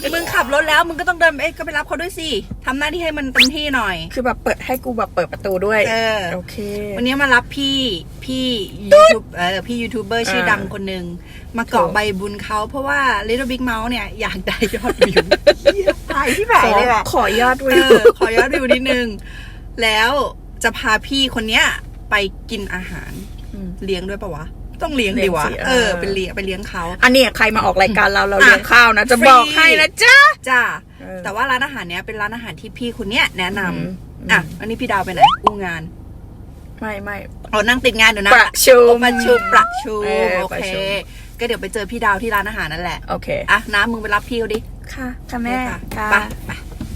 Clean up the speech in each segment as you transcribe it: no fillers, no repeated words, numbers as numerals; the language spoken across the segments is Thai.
มึงขับรถแล้วมึงก็ต้องเดินก็ไปรับเขาด้วยสิทำหน้าที่ให้มันเต็มที่หน่อยคือแบบเปิดให้กูแบบเปิดประตูด้วยโอเควันนี้มารับพี่ยูทูบพี่ยูทูบเบอร์ชื่อดังคนหนึ่งมาเกาะใบบุญเขาเพราะว่า Little Big Mouth เนี่ยอยากได้ยอดวิวตายที่ไหนเลยแหละขอยอดวิวขอยอดวิวนิดนึงแล้วจะพาพี่คนเนี้ยไปกินอาหารเลี้ยงด้วยปะวะต้องเลี้ยงดีวะไปเลี้ยงเขาอันนี้ใครมาออกรายการเราเลี้ยงข้าวนะจะบอกให้นะจ้าแต่ว่าร้านอาหารเนี้ยเป็นร้านอาหารที่พี่คนเนี้ยแนะนำอันนี้พี่ดาวไปไหนอู้งานไม่นั่งติดงานอยู่นะประชุมโอเคก็เดี๋ยวไปเจอพี่ดาวที่ร้านอาหารนั่นแหละโอเคน้ำมึงไปรับพี่เขาดิค่ะแม่ไป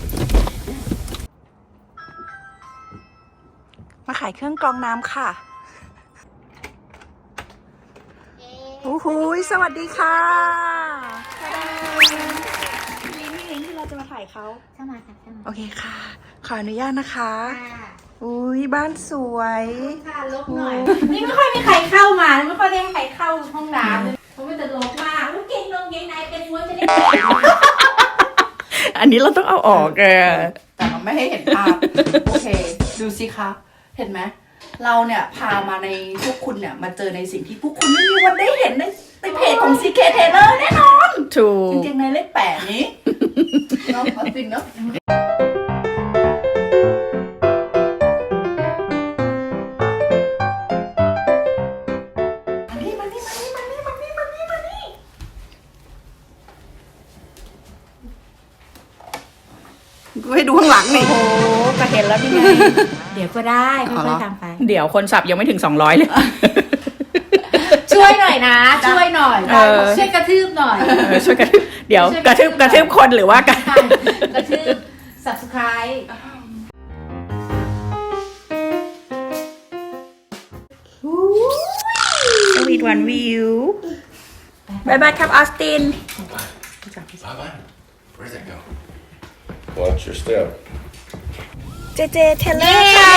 มาขายเครื่องกรองน้ำค่ะโอ้โหสวัสดีค่ะลิงที่เราจะมาถ่ายเขาเข้ามาค่ะโอเคค่ะขออนุญาตนะคะอุ้ยบ้านสวยค่ะลบหน่อยนี่ไม่ค่อยมีใครเข้ามาไม่ค่อยได้ใครเข้าห้องน้ำเพราะมันจะลบมากเก่งนงเก่งในเป็นม้วนจะได้อันนี้เราต้องเอาออกแต่เราไม่ให้เห็นภาพโอเคดูสิคะเห็นไหมเราเนี่ยพามาในพวกคุณเนี่ยมาเจอในสิ่งที่พวกคุณไม่มีวันได้เห็นในเพจของ CK Taylor แน่นอนถูกจริงๆในเลข8นี้เนาะจริงเนาะกูให้ดูข้างหลังนี่โอ้โหก็เห็นแล้วนี่ไงเดี๋ยวก็ได้ค่อยๆทำไปเดี๋ยวคนสับยังไม่ถึง200เลยช่วยหน่อยนะช่วยหน่อยช่วยกระทืบหน่อยช่วยกระทืบเดี๋ยวกระทืบคนหรือว่ากระทืบ subscribe Sweet one view Bye bye ครับออสติน Bye. Where's that go? Watch your step. JJ Taylor ค่ะ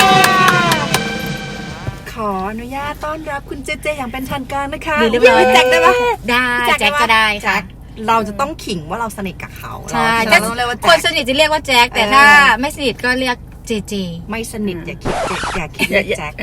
ขออนุญาตต้อนรับคุณเจเจอย่างเป็นทางการนะคะเรียบร้อยแจ็คได้ปะได้แจ็คก็ได้ค่ะเราจะต้องขิงว่าเราสนิทกับเขาใช่เราต้องเรียกว่าคนสนิทจะเรียกว่าแจ็คแต่ถ้าไม่สนิทก็เรียกเจเจไม่สนิทอย่าคิดแจ็ค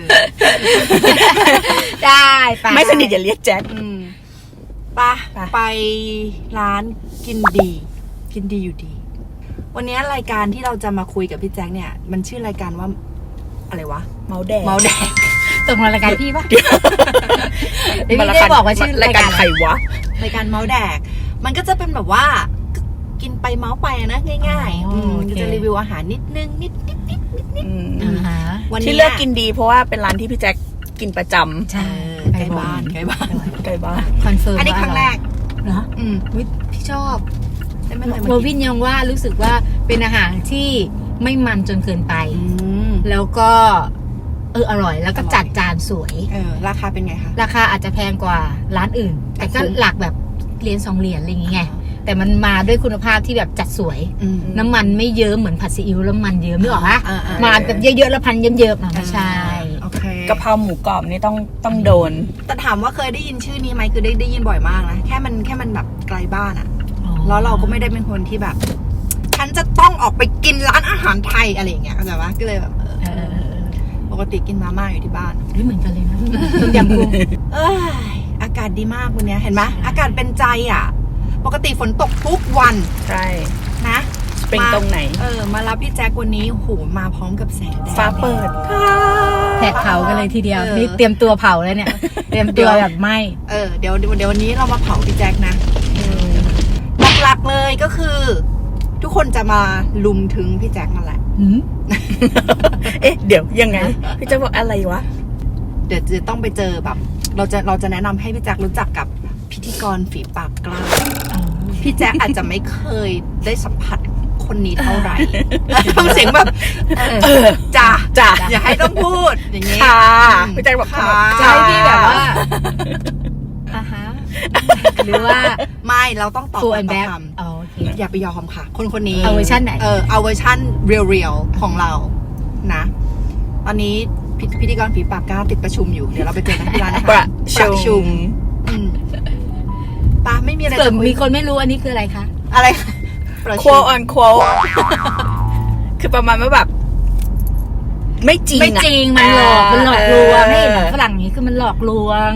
ได้ไปไม่สนิทอย่าเรียกแจ็คไปร้านกินดีอยู่ดีวันนี้รายการที่เราจะมาคุยกับพี่แจ็คเนี่ยมันชื่อรายการว่าอะไรวะเมาแดงตรงรายการพี่ปะพี่ได้บอกว่าชื่อรายการใครวะรายการเมาแดกมันก็จะเป็นแบบว่ากินไปเมาไปนะง่ายๆจะรีวิวอาหารนิดนึงนิดวันที่เลือกกินดีเพราะว่าเป็นร้านที่พี่แจ็คกินประจำใช่ใกล้บ้านคอนเฟิร์มอันนี้ครั้งแรกเหรอพี่ชอบโรบินยังว่ารู้สึกว่าเป็นอาหารที่ไม่มันจนเกินไปแล้วก็อร่อยแล้วก็จัดจานสวยราคาเป็นไงคะราคาอาจจะแพงกว่าร้านอื่นแต่ก็หลักแบบเหรียญ2 เหรียญอะไรอย่างเงี้ยแต่มันมาด้วยคุณภาพที่แบบจัดสวยน้ำมันไม่เยอะเหมือนผัดซีอิ๊วแล้วมันเยอะไม่หรอคะมาแบบเยอะๆแล้วพันเยิ้มๆไม่ใช่กะเพราหมูกรอบนี่ต้องโดนแต่ถามว่าเคยได้ยินชื่อนี้ไหมคือได้ยินบ่อยมากนะแค่มันแบบไกลบ้านอะแล้วเราก็ไม่ได้เป็นคนที่แบบฉันจะต้องออกไปกินร้านอาหารไทยอะไรอย่างเงี้ยเข้าใจปะก็เลยแบบปกติกินมาม่าอยู่ที่บ้านเหมือนกันเลยนะต้มยำกุ้งอากาศดีมากวันนี้เห็นไหมอากาศเป็นใจอ่ะปกติฝนตกทุกวันใช่นะเป็นตรงไหนมารับพี่แจ็ควันนี้โหมาพร้อมกับแสงแดดฟ้าเปิดแผดเผากันเลยทีเดียวนี่เตรียมตัวเผาแล้วเนี่ยเตรียมตัวแบบไหมเดี๋ยววันนี้เรามาเผาพี่แจ็คนะหลักๆเลยก็คือทุกคนจะมาลุมถึงพี่แจ็คนั่นแหละเดี๋ยวยังไงพี่แจ็คบอกอะไรวะเดี๋ยวจะต้องไปเจอแบบเราจะแนะนำให้พี่แจ็ครู้จักกับพิธีกรฝีปากกล้าพี่แจ็คอาจจะไม่เคยได้สัมผัสคนนี้เท่าไหร่ทำเสียงแบบจ้าอย่าให้ต้องพูดอย่างงี้ค่ะพี่แจ็คบอกค่ะใช่พี่แบบว่าหรือว่าไม่เราต้องตอบตามคำอย่าไปยอมค่ะคนนี้เอาเวอร์ชันไหนเอาเวอร์ชันเรียลของเรานะตอนนี้พิธีกรฝีปากกล้าติดประชุมอยู่เดี๋ยวเราไปเจอกันที่ร้านนะคะประชุมปาไม่มีอะไรมีคนไม่รู้อันนี้คืออะไรคะอะไร quote on quote คือประมาณว่าแบบ ไม่จริงไม่จริงมันหลอกลวงให้ฝรั่งนี้คือมันหลอกลวง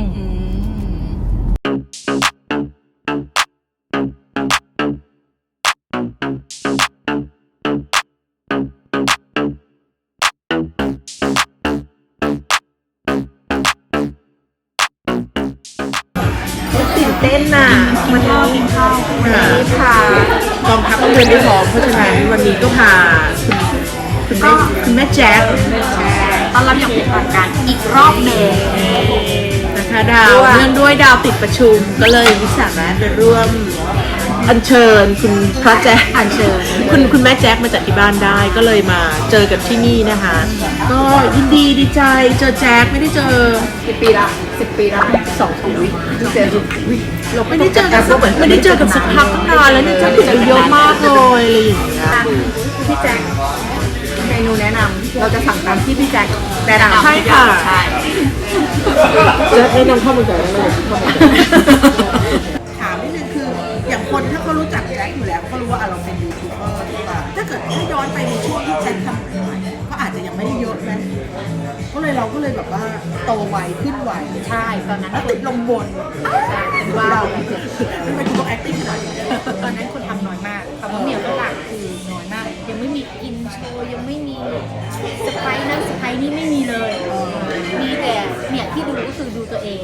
ตื่นเต้นน่ะมันรอกินข้าววันนี้พากองทัพเดินได้พร้อมเพราะฉะนั้นวันนี้ก็พาคุณแม่แจ๊คตอนรับอย่างเป็นทางการอีกรอบหนึ่งนะคะดาวเนื่องด้วยดาวติดประชุมก็เลยไม่สามารถไปร่วมอัญเชิญคุณพระแจ๊คอัญเชิญคุณแม่แจ๊คมาจากที่บ้านได้ก็เลยมาเจอกันที่นี่นะคะ ก็ยินดีดีใจเจอแจ๊คไม่ได้เจอ 10 ปีละ2 ปีเจอเราไม่ได้เจอกันสักพักตั้งนานแล้วเนี่ยแจ๊คติดเยอะมากเลยอะไรอย่างเงี้ยพี่แจ็คเมนูแนะนำเราจะสั่งตามที่พี่แจ็คแนะนำใช่ค่ะใช่จะแนะนำข้าวมันไก่ได้ไหมข้าวมันไก่ถามนิดนึงคืออย่างคนถ้าเขารู้จักแจ็คอยู่แล้วเขารู้ว่าเราเป็นยูทูบเบอร์หรือเปล่าถ้าเกิดถ้าย้อนไปในช่วงที่แจ็คทำใหม่ๆก็อาจจะยังไม่ได้เยอะนะเราก็เลยแบบว่าโตไวขึ้นไวใช่ตอนนั้นแล้วติดลมบนว้าวทำไมคุณต้อง acting ขนาดนี้ตอนนั้นคนทำน้อยมากคำว่าเมียฝรั่งคือน้อยมาก ยังไม่มีอินโชว์ยังไม่มีสไปร์นั่นสไปร์นี่ไม่มีเลย มีแต่เนี่ยที่ดูก็คือดูตัวเอง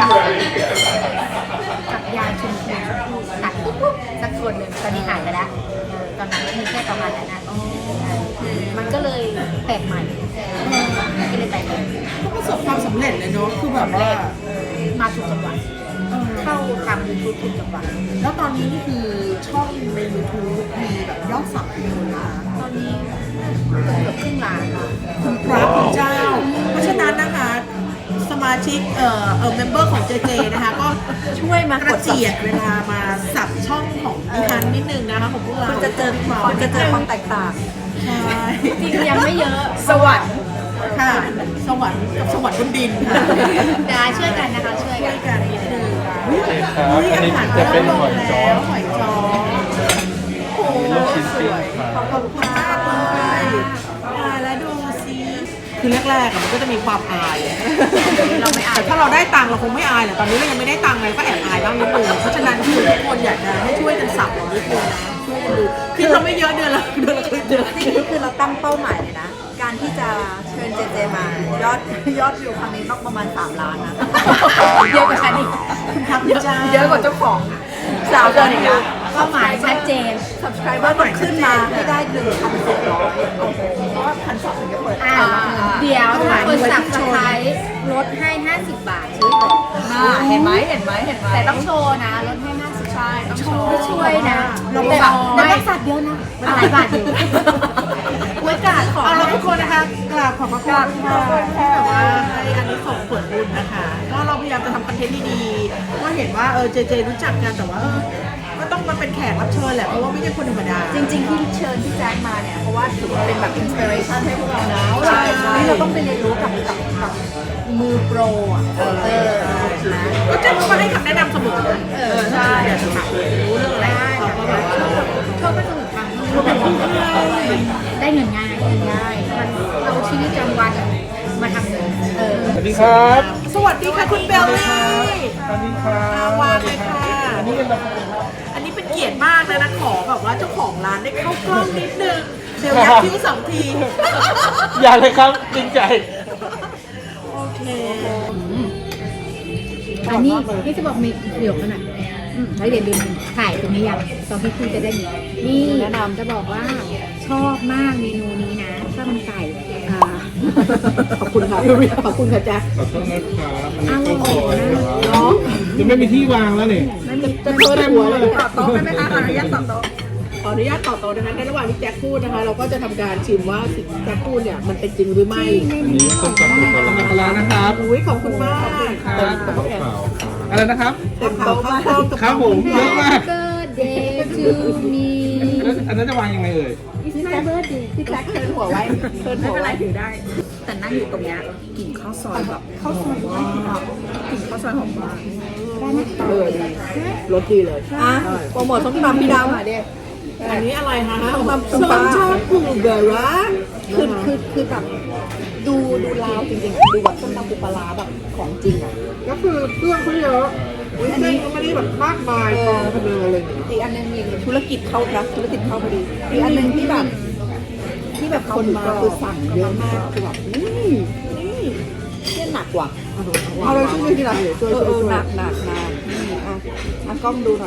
กับยายชุมพลตัดปุ๊บสักคนหนึ่งตอนนี้หายไปแล้วตอนนั้นมีแค่ประมาณนั้นนะมันก็เลยแปลกใหม่ก็เลยแปลกใหม่ก็ประสบความสำเร็จเลยเนาะคือแบบว่ามาถูกจังหวะเข้าทำยูทูบถูกจังหวะแล้วตอนนี้นี่คือช่องใน YouTube มีแบบยอดสับกี่คนนะคะตอนนี้เกือบครึ่งล้านแล้วคุณพระคุณเจ้า เพราะฉะนั้นนะคะสมาชิกเมมเบอร์ของ JJ นะคะก็ช่วยมากระเจียดเวลามาสับช่องของดิฉันนิดนึงนะคะของพวกเราจะเจอความแตกต่างใช่จริงยังไม่เยอะสวรรค์ค่ะสวรรค์กับสวรรค์บนดินค่ะได้ช่วยกันนะคะช่วยช่กัวน ยกันนิดนึงอุ๊ยอาหารจะเป็นหอยจ้อหอยจ้อโอ้โหสวยขอบคุณมากเลยแล้วดูสิคือแรกๆมันก็จะมีความอายเราไม่อายแต่ถ้าเราได้ตังค์เราคงไม่อายแหละตอนนี้เรายังไม่ได้ตังค์เลยก็แอบอายบ้างนิดนึงเพราะฉะนั้นคือทุกคนอยากจะให้ช่วยกันสับเรานิดนึงนะช่วยกันดูคือเราไม่เยอะเดือนละเดือนนี่คือเราตั้งเป้าหมายเลยนะ การที่จะเชิญเจเจมายอดวิวครั้งนี้ต้องประมาณ3 ล้านนะเยอะกว่าฉันอีกเยอะกว่าเจ้าของสาวเดินอีกนะเป้าหมายชัดเจน subscriber ต้องขึ้นมาให้ได้1,400โอ้โหเพราะว่า1,200ถึงจะเปิดเดี๋ยวถ้าคนสับสไครต์ลดให้50 บาทซื้อก่อนเห็นไหมแต่ต้องโชว์นะลดให้50ใช่ต้องโชว์ช่วยนะเราแต่บอกต้องสับเยอะนะหลายบาทอยู่ไว้กาดขอเอาละทุกคนนะคะกราบขอบพระคุณค่ะที่แบบว่าให้อันนี้ส่งผลบุญนะคะก็เราพยายามจะทำคอนเทนต์ดีๆก็เห็นว่าเจเจรู้จักกันแต่ว่าก็ต้องมาเป็นแขกรับเชิญแหละเพราะว่าไม่ใช่คนธรรมดาจริงๆที่เชิญพี่แจ๊คมาเนี่ยเพราะว่าถือว่าเป็นแบบ inspiration ให้พวกเรานะใช่ใช่นี่เราต้องไปเรียนรู้กับมือโปรอ่ะนะก็จะมาให้คำแนะนำเสมอนะใช่อยากจะถามรู้เรื่องอะไรเขาก็แบบว่าชอบไปสนุกทางได้เงินง่ายมันเอาชีวิตประจำวันมาทำเงินสวัสดีครับสวัสดีค่ะคุณเบลลี่สวัสดีครับวางเลยค่ะอันนี้เป็นแบบอันนี้เป็นเกียรติมากเลยนะขอแบบว่าเจ้าของร้านได้เข้ากล้องนิดนึงเบลยักคิ้ว2 ทีอย่าเลยครับจริงใจโอเคอันนี้จะบอกมีประโยคขนาดแล้วเดี๋ยวลืมถ่ายตรงนี้ยังตอนที่พูดจะได้ยินนี่แนะนำจะบอกว่าชอบมากเมนูนี้นะข้าวมันไก่ขอบคุณค่ะขอบคุณค่ะแจ๊คขอโทษนะครับอร่อยนะเนาะยังไม่มีที่วางแล้วนี่จะเพิ่มหัวเลยต่อโต๊ะได้ไหมคะขออนุญาตต่อโต๊ะขออนุญาตต่อดังนั้นในระหว่างที่แจ็คพูดนะคะ เราก็จะทำการชิมว่าสิ่งที่แจ็คพูดเนี่ยมันเป็นจริงหรือไม่อันนี้ต้มตำปูปลาร้านะครับอุ้ยขอบคุณมากครับอะไรนะครับเต็มโต๊ะมากครับผมเยอะมาก Birthday to me แล้วอันนั้นจะวางยังไงเอ่ย It's my birthday พี่แจ็คเทิร์นหัวไว้เทิร์นหัวไว้แต่นั่งอยู่ตรงเนี้ยกลิ่นข้าวซอยแบบข้าวซอยมากกลิ่นข้าวซอยหอมมากใช่ได้ไหมดีรสดีเลยอ่ะโปรโมทส้มตำพี่ดาวหน่อยดิอันนี้อะไรคะส้มตำส้มชาปูเบอร์ระคือแบบดูลาวจริงๆดูแบบส้มตำปูปลาร้าแบบของจริงอ่ะก็คือเครื่องเขาเยอะเส้นก็ไม่ได้แบบมากมายกองกันเลยอะไรอย่างเงี้ยอีกอันนึงมีธุรกิจเข้านะธุรกิจเข้าพอดีอีกอันนึงที่แบบคนมาคือสั่งเยอะมากคือแบบนี่เนี่ยหนักกว่าเอาเลยช่วยทีละช่วยหนักนี่อ่ะกล้องดูหน่อย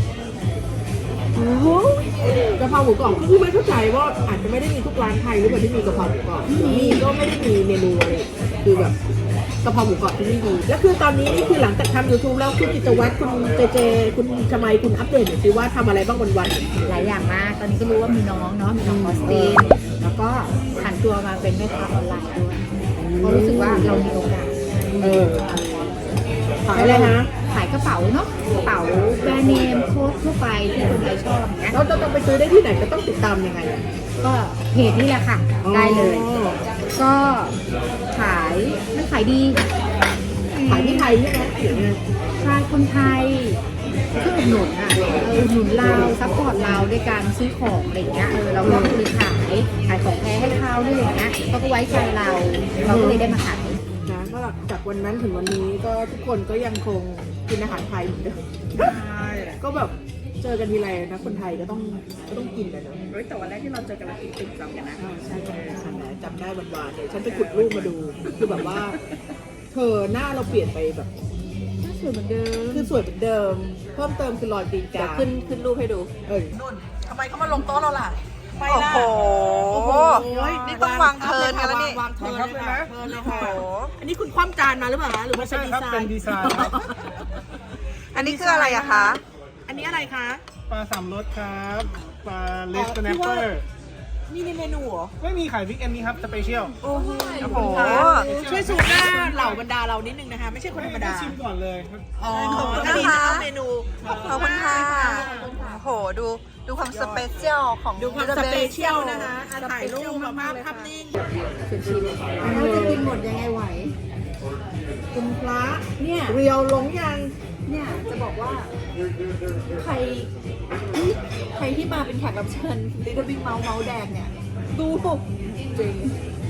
กะเพราหมูกรอบคือไม่เข้าใจว่าอาจจะไม่ได้มีทุกร้านไทยหรือเปล่าที่มีกะเพราหมูกรอบมีก็ไม่ได้มีเมนูอะไรคือแบบกะเพราหมูกรอบที่นี่ดีแล้วคือตอนนี้นี่คือหลังจากทำ YouTube แล้วคุณกิจวัตรคุณเจคุณชมัยคุณอัปเดตหน่อยสิว่าทำอะไรบ้างวันหลายอย่างมาก ตอนนี้ก็รู้ว่ามีน้องเนาะ มีน้องออสติน แล้วก็ผันตัวมาเป็นแม่ค้าออนไลน์ด้วยเพราะรู้สึกว่าเรามีโอกาสขายอะไรนะขายกระเป๋าเนาะ กระเป๋าแบรนด์เนมโค้ดทั่วไปที่คนไทยชอบอย่างเงี้ยแล้วจะต้องไปซื้อได้ที่ไหนก็ต้องติดตามยังไงก็เพจนี่แหละค่ะ ได้เลย ก็ขายมันขายดีขายที่ไทยใช่ไหมเดี๋ยวนี้ใช่คนไทยช่วยอุดหนุนอ่ะอุดหนุนเราซัพพอร์ตเราด้วยการซื้อของอะไรอย่างเงี้ยเราก็คือขายของแท้ให้เขาด้วยอย่างเงี้ยเขาก็ไว้ใจเราก็เลยได้มาขายนะก็จากวันนั้นถึงวันนี้ก็ทุกคนก็ยังคงกินอาหารไทยเหมือนเดิมก็แบบเจอกันทีไรนะคนไทยก็ต้องกินกันเนอะแต่วันแรกที่เราเจอกันเรากินติ่มซำกันนะใช่ใช่จำได้วันๆเลยฉันไปขุดรูปมาดูคือแบบว่า เธอหน้าเราเปลี่ยนไปแบบสวยเหมือนเดิมคือสวยเหมือนเดิม เพิ่มเติมคือรอยตีนเดี๋ยวกาขึ้นรูปให้ดูนุ่นทำไมเขามาลงโต๊ะเราล่ะไม่โอ้ล่ะโหนี่ต้องวางเทิร์นกันแล้วนี่วางเทิร์นเลยค่ะเทิร์นเลยค่ะโอ้โหอันนี้คุณคว่ำจานมาหรือเปล่าคะหรือว่าใช้ใช่ดีครับไซเป็นน์ดีไซน์ครับอันนี้คืออะไรอะคะอันนี้อะไรคะปลาสามรสครับปลาเลสแนปเปอร์นี่ในเมนูเหรอไม่มีขายวิกเอนนี้ครับสเปเชียลโอ้โหช่วยสูตรหน้าเหล่าบรรดาเรานิดนึงนะคะ ไม่ใช่คนธรรมดาชิมก่อนเลยครับอ๋อขอบคุณอันนี้นะคะเมนูขอบคุณค่ะโอ้โหดูความสเปเชียลของดูความสเปเชียลนะคะถ่ายรูปมาภาพนิ่งเราจะกินหมดยังไงไหวคุณพระเนี่ยเรียวลงยังเนี่ยจะบอกว่าใครที่มาเป็นแขกรับเชิญ Little Big Mouse เมาส์แดงเนี่ยดูจริง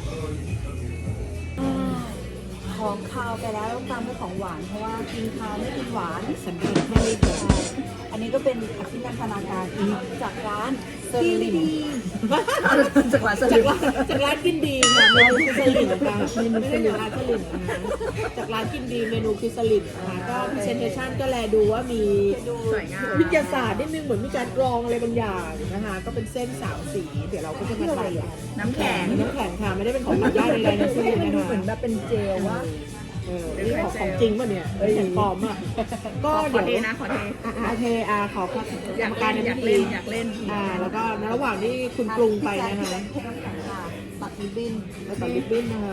ของคาวไปแล้วตามด้วยของหวานเพราะว่ากินคาวไม่กินหวานสันติแค่นี้เดียวอันนี้ก็เป็นอภินันทนาการจากร้านเซอร์ลิมจากร้านเซอร์ลิมจากร้านกินดีค่ะเมนูคือสลิดค่ะไม่ได้จากร้านสลิดนะคะจากร้านกินดีเมนูคือสลิดนะคะก็พรีเซนเทชันก็แลดูว่ามีสวยงามวิทยาศาสตร์นิดนึงเหมือนมีการกรองอะไรบางอย่างนะคะก็เป็นเส้นสาวสีเดี๋ยวเราก็จะมาทำน้ำแข็งน้ำแข็งค่ะไม่ได้เป็นของหมักย่างใดๆทั้งสิ้นนะคะเหมือนแบบเป็นเจลว่านี่ของจริงป่ะเนี่ยแข็งปลอมอ่ะก็เดี๋ยวขอเทนะขอเทโอเคขอครับอยากการเล่นในอยากพิเล่ธีนอยากเล่นแล้วก็ในระหว่างที่คุณปรุงไปนะคะตัดริบบิ้นแล้วก็ลิปบิ้นนะคะ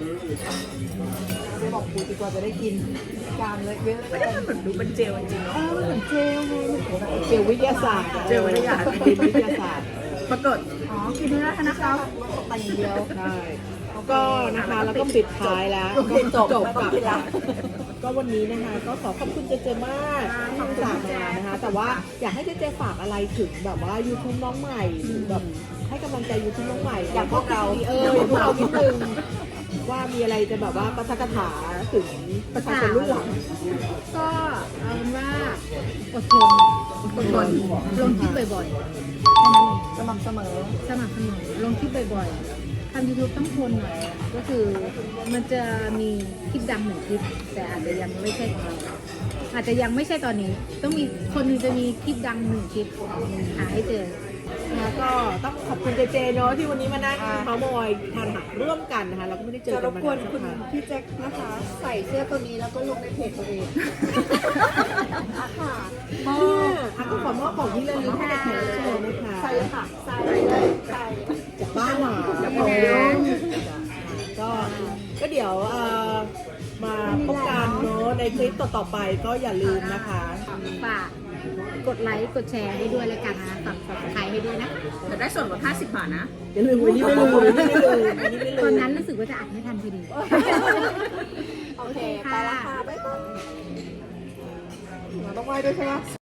จะบอกครูดีกว่าจะได้กินกามเลยเยอะเลยเหมือนดูเป็นเจลจริงๆเนาะเหมือนเจลไงเจลวิทยาศาสตร์เจลวิทยาศาสตร์วิทยาศาสตร์ปรากฏอ๋อกินเนื้อนะคะ แต่อย่างเดียวใช่ก็นะคะแล้วก็ปิดท้ายแล้วจบกับไม่ต้องกินละก็วันนี้นะคะก็ขอขอบคุณเจเจมากที่อุตส่าห์มานะคะแต่ว่าอยากให้เจเจฝากอะไรถึงแบบว่า YouTube น้องใหม่หรือแบบให้กำลังใจ YouTube น้องใหม่อย่างพวกเราอย่างพวกเรานิดนึงว่ามีอะไรจะแบบว่าประทักถาถึงประชาชนรุ่นหลังก็เอาเป็นว่าอดทนลงคลิปบ่อยๆสม่ำเสมอสม่ำเสมอลงคลิปบ่อยๆทำ YouTube ต้องทนหน่อย ก็คือมันจะมีคลิปดังหนึ่งคลิป แต่อาจจะยังไม่ใช่ของเราอาจจะยังไม่ใช่ตอนนี้ ต้องมีคนหนึงจะมีคลิปดังหนึ่งคลิปหาให้เจอนะก็ต้องขอบคุณเจเจเนาะที่วันนี้มานั่งเมาส์มอยทานอาหารร่วมกันนะคะเราก็ไม่ได้เจอจะกัรนบมากวนนานคุณนะคะพี่แจ็คนะคะ ใส่เสื้อตัวนี้แล้วก็ลงในเพจตัวเองค่ะก็ขอมอบของที่ระลึกให้แขกรับเชิญนะคะใส่เลยค่ะใส่เลยใส่จากบ้านหมาก็เดี๋ยวมาพบกันเนาะในคลิปต่อๆไปก็อย่าลืมนะคะฝากกดไลค์กดแชร์ให้ด้วยแล้วกันนะฝากใครให้ด้วยนะจะได้ส่วนลด50 บาทนะอย่าลืมวันนี้ไม่ลืมวันนี้ไม่ลืมวันนี้ไม่ลืตอนมนั้นรู้สึกว่าจะอัดไม่ทันพอดีโอเค ไปละค่ะ บ๊ายบายเราต้องไหว้ด้วยใช่ไหม